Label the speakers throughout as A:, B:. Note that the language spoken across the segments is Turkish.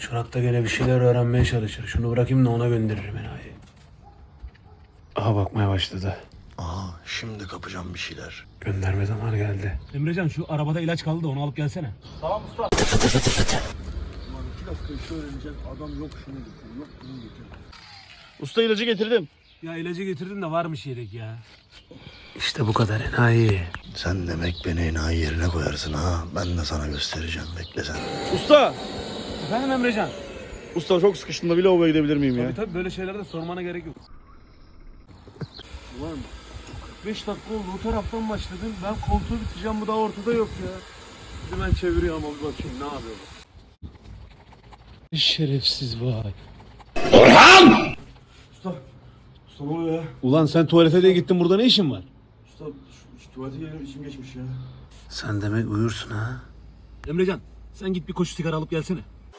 A: Çorapta gene bir şeyler öğrenmeye çalışır. Şunu bırakayım da ona gönderirim enayi. Aha bakmaya başladı.
B: Aha şimdi kapacağım bir şeyler.
A: Gönderme zamanı geldi.
C: Emrecan şu arabada ilaç kaldı da onu alıp gelsene.
D: Tamam usta. Ulan 2 dakika işi öğreneceğiz. Adam yok şunu getir, yok bunu getir. Usta ilacı getirdim.
C: Ya ilacı getirdin de varmış yedek ya.
A: İşte bu kadar enayi.
B: Sen demek beni enayi yerine koyarsın ha. Ben de sana göstereceğim. Bekle sen.
D: Usta!
C: Efendim Emrecan?
D: Usta çok sıkıştım da bir lavaboya gidebilir miyim ya?
C: Tabii böyle şeylerde sormana gerek yok. Ulan 5 dakika oldu o taraftan başladın. Ben koltuğu bitireceğim bu da ortada yok ya. Şimdi ben çeviriyorum ama bakayım ne yapıyor bu. Şerefsiz vay.
D: Usta! Usta ne oluyor ya?
C: Ulan sen tuvalete de gittin burada ne işin var?
D: Usta şu tuvalete geliyorum içim geçmiş ya.
A: Sen demek uyursun ha?
C: Emrecan sen git bir koşu sigara alıp gelsene.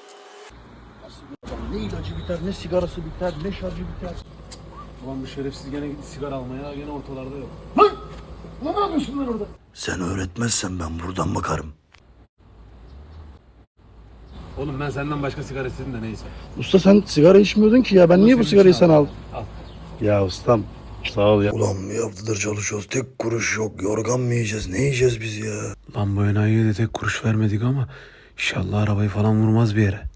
D: Ne ilacı biter, ne sigarası biter, ne şarjı biter.
C: Ulan bu şerefsiz gene gitti sigara almaya gene ortalarda yok.
D: Ne yapıyorsun lan orada?
B: Sen öğretmezsen ben buradan bakarım.
C: Oğlum ben senden başka sigara istedim de neyse.
D: Usta sen sigara içmiyordun ki ya. Ben niye bu
C: senin
D: sigarayı
C: için
D: sana
C: aldım.
D: aldım?
C: Al.
D: Ya ustam sağ ol ya.
B: Ulan bir haftadır çalışıyoruz. Tek kuruş yok. Yorgan mı yiyeceğiz? Ne yiyeceğiz biz ya?
A: Lan bu enayiye de tek kuruş vermedik ama inşallah arabayı falan vurmaz bir yere.